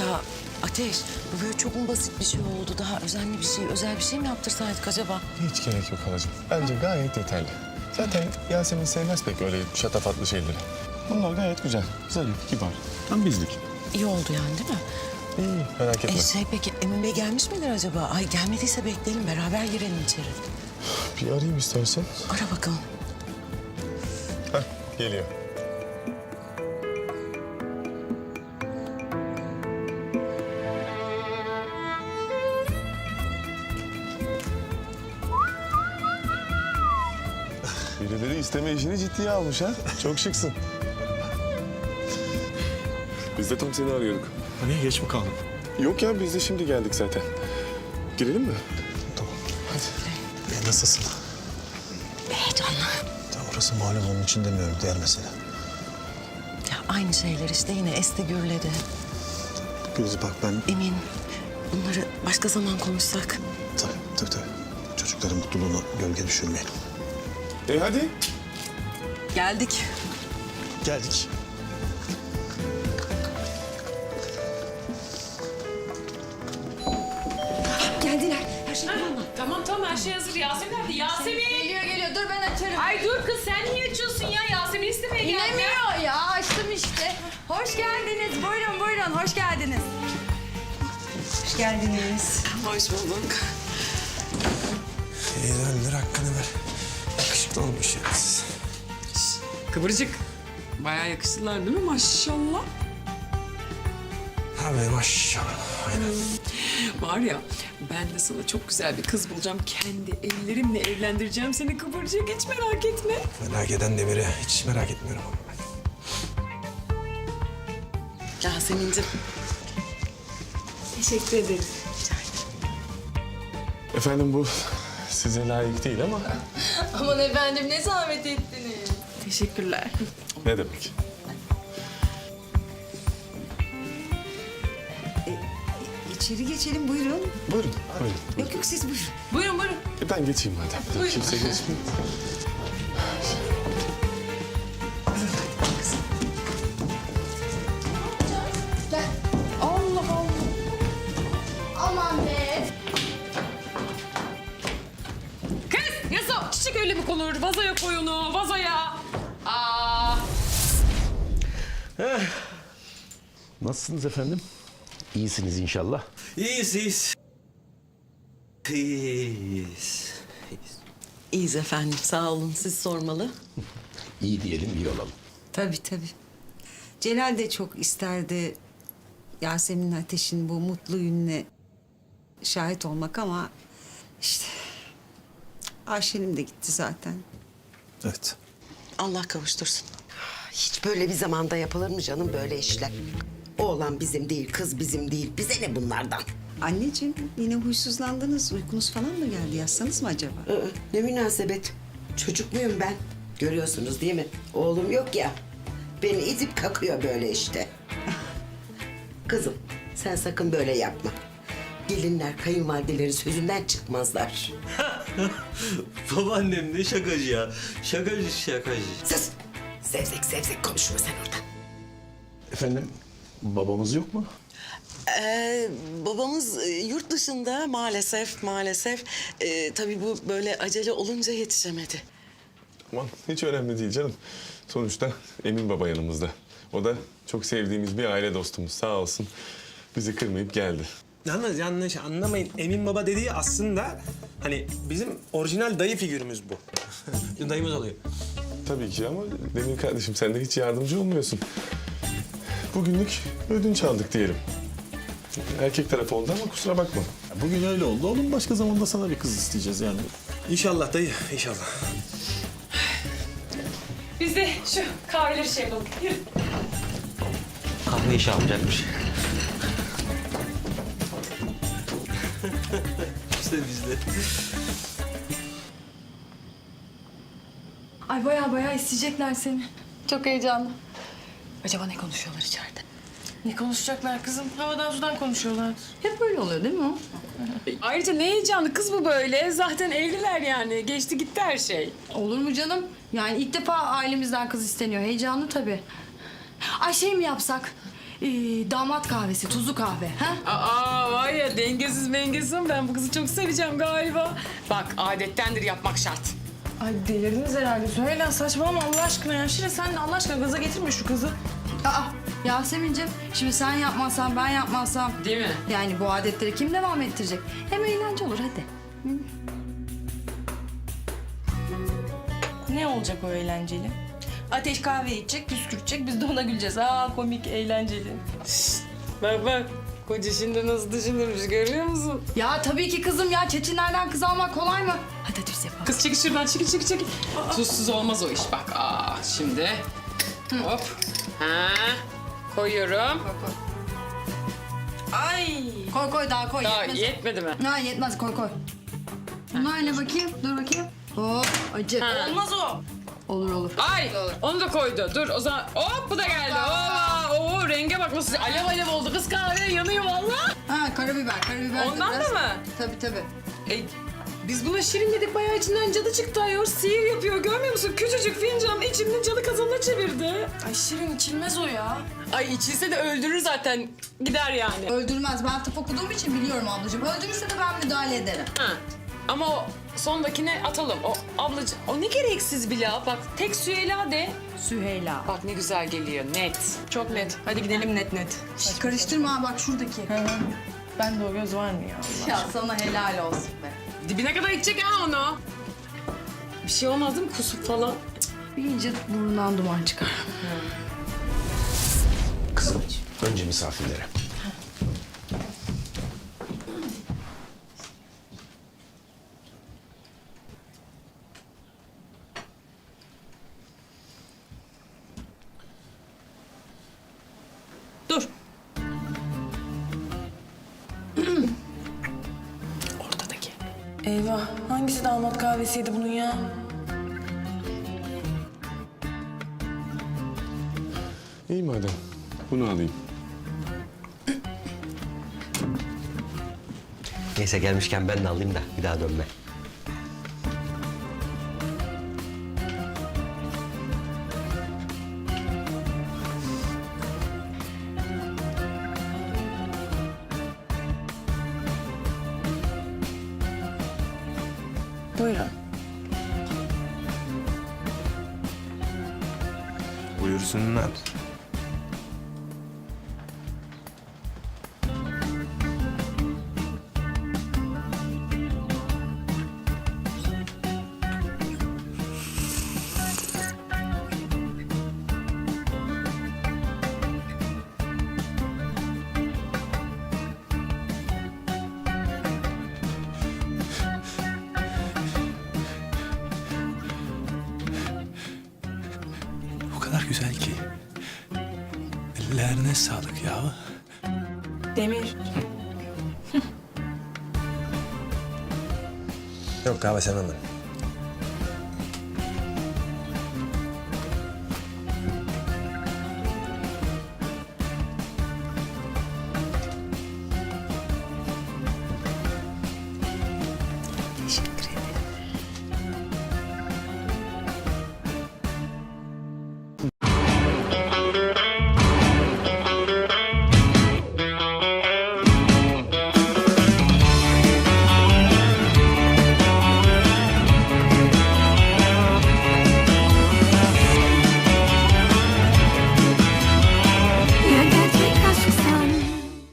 Ya Ateş, bu böyle çok mu basit bir şey oldu? Daha özenli bir şey, özel bir şey mi yaptırsaydık acaba? Hiç gerek yok halacığım. Bence gayet yeterli. Zaten Yasemin sevmez pek öyle şatafatlı şeyleri. Bunlar gayet güzel. Zarif, kibar. Tam bizlik. İyi oldu yani değil mi? İyi, merak etme. Peki Emin Bey gelmiş midir acaba? Ay gelmediyse bekleyelim, beraber girelim içeri. Bir arayayım istersen. Ara bakalım. Hah, geliyor. Birileri isteme işini ciddiye almış ha. Çok şıksın. Biz de tam seni arıyorduk. Hani geç mi kaldım? Yok ya, biz de şimdi geldik zaten. Girelim mi? Tamam. Hadi. Nasılsın? Heyecanlı. Tam orası malum, onun için demiyorum, diğer mesele. Ya aynı şeyler işte, yine esti gürledi. Gülüz bak ben... Emin, bunları başka zaman konuşsak. Tabii. Çocukların mutluluğuna gölge düşürmeyelim. Hadi. Geldik. Geldik. Geldiler. Her şey tamam mı? Tamam her şey hazır. Yasemin nerede? Yasemin! Geliyor. Dur ben açarım. Ay dur kız sen niye açıyorsun ya? Yasemin istemeye geldi. İnemiyor ya. Açtım işte. Hoş geldiniz. Buyurun. Hoş geldiniz. Hoş geldiniz. Hoş bulduk. ver hakkını ver. Yakışıklı olmuş ya siz. Kıvırcık. Bayağı yakıştılar değil mi maşallah? Abi maşallah. Aynen. Var ya ben de sana çok güzel bir kız bulacağım. Kendi ellerimle evlendireceğim seni Kıvırcık. Hiç merak etme. Merak eden de biri. Hiç merak etmiyorum ama ben. Yasemin'cim. Teşekkür ederim. Efendim bu size layık değil ama Aman efendim ne zahmet ettiniz. Teşekkürler. ne demek? İçeri geçelim buyurun. Buyurun. Yok siz buyurun. Buyurun. Ben geçeyim madem. Kimse geçmiyor. Aman be. Kız Yaso çiçek öyle mi konur? Vazoya koy onu vazoya. Aa. Nasılsınız efendim? İyisiniz inşallah. İyiyiz. İyiyiz efendim, sağ olun. Siz sormalı. İyi diyelim, iyi olalım. Tabii. Celal de çok isterdi Yasemin Ateş'in bu mutlu gününe şahit olmak ama işte Ayşe'nin de gitti zaten. Evet. Allah kavuştursun. Hiç böyle bir zamanda yapılır mı canım böyle işler? Oğlan bizim değil, kız bizim değil. Bize ne bunlardan? Anneciğim yine huysuzlandınız. Uykunuz falan mı geldi? Yatsanız mı acaba? Ne münasebet? Çocuk muyum ben? Görüyorsunuz değil mi? Oğlum yok ya. Beni itip kakıyor böyle işte. Kızım sen sakın böyle yapma. Gelinler kayınvalidelerin sözünden çıkmazlar. Babaannem ne şakacı ya. Şakacı. Sus! Zevzek konuşma sen orada. Efendim, babamız yok mu? Babamız yurt dışında maalesef. Tabii bu böyle acele olunca yetişemedi. Aman hiç önemli değil canım. Sonuçta Emin Baba yanımızda. O da çok sevdiğimiz bir aile dostumuz, sağ olsun. Bizi kırmayıp geldi. Yalnız yanlış anlamayın. Emin Baba dediği aslında hani bizim orijinal dayı figürümüz bu. Dayımız oluyor. Tabii ki ama Demir kardeşim sen de hiç yardımcı olmuyorsun. Bugünlük ödünç aldık diyelim. Erkek tarafı oldu ama kusura bakma. Bugün öyle oldu. Oğlum başka zamanda sana bir kız isteyeceğiz yani. İnşallah dayı, inşallah. Biz de şu kahveleri şey yapalım. Yürü. Kahve işi alacakmış. işte bizde. Ay baya isteyecekler seni. Çok heyecanlı. Acaba ne konuşuyorlar içeride? Ne konuşacaklar kızım? Havadan sudan konuşuyorlar. Hep böyle oluyor değil mi o? Ayrıca ne heyecanlı kız bu böyle. Zaten evliler yani. Geçti gitti her şey. Olur mu canım? Yani ilk defa ailemizden kız isteniyor. Heyecanlı tabii. Ay şey mi yapsak? damat kahvesi, tuzlu kahve. Ha? Aa var ya dengesiz mengesiz, ben bu kızı çok seveceğim galiba. Bak adettendir yapmak şart. Ay delirdiniz herhalde. Söyle saçmalama Allah aşkına ya. Şire sen de Allah aşkına gaza getirme şu kızı. Aa, Yasemin'cim şimdi sen yapmazsan ben yapmazsam. Değil mi? Yani bu adetleri kim devam ettirecek? Hem eğlence olur hadi. Ne olacak o eğlenceli? Ateş kahve içecek, püskürtecek. Biz de ona güleceğiz. Aa komik, eğlenceli. Bak bak. Koca şimdi nasıl düşünürmüş görüyor musun? Ya tabii ki kızım ya. Çetinlerden kız almak kolay mı? Hadi hadi biz yapalım. Kız çekil şuradan, çekil. Tuzsuz olmaz o iş bak. Şimdi hop. Ha. Koyuyorum. Ay. Koy daha koy. Daha Yetmez. yetmedi mi? Ha, yetmez koy. Bunlar ne bakayım? Dur bakayım. Hop acı. Ha. Olmaz o. Olur. Ay onu da koydu. Dur o zaman hop bu da geldi. Oo renge bak nasıl alev oldu. Kız kahve yanıyor vallahi. Ha karabiber de Ondan biraz. da mı? Tabii. Biz buna şirin dedik, bayağı içinden cadı çıktı ayol. Sihir yapıyor, görmüyor musun? Küçücük fincan içinden cadı kazanına çevirdi. Ay Şirin içilmez o ya. Ay içilse de öldürür zaten. Gider yani. Öldürmez. Ben tıp okuduğum için biliyorum ablacığım. Öldürürse de ben müdahale ederim. Ha. Ama o sondakine atalım. O ablacığım, o ne gereksiz Bila. Bak tek Süheyla de. Süheyla. Bak ne güzel geliyor, net. Çok net. Hadi gidelim net. Şş, karıştırma ha, bak şuradaki. Ben de o göz var mı ya Allah? Ya sana helal olsun be. Dibine kadar içecek ha onu. Bir şey olmaz değil mi? Kusuk falan. Bir iyice burnundan duman çıkar. Kızım, önce misafirlere. Dur. Ortadaki. Eyvah. Hangisi damat kahvesiydi bunun ya? İyi madem. Bunu alayım. Neyse gelmişken ben de alayım da bir daha dönme. Buyurun. Buyursunlar. O kadar güzel ki. Ellerine sağlık ya. Demir. Yok kahve sevmem ben.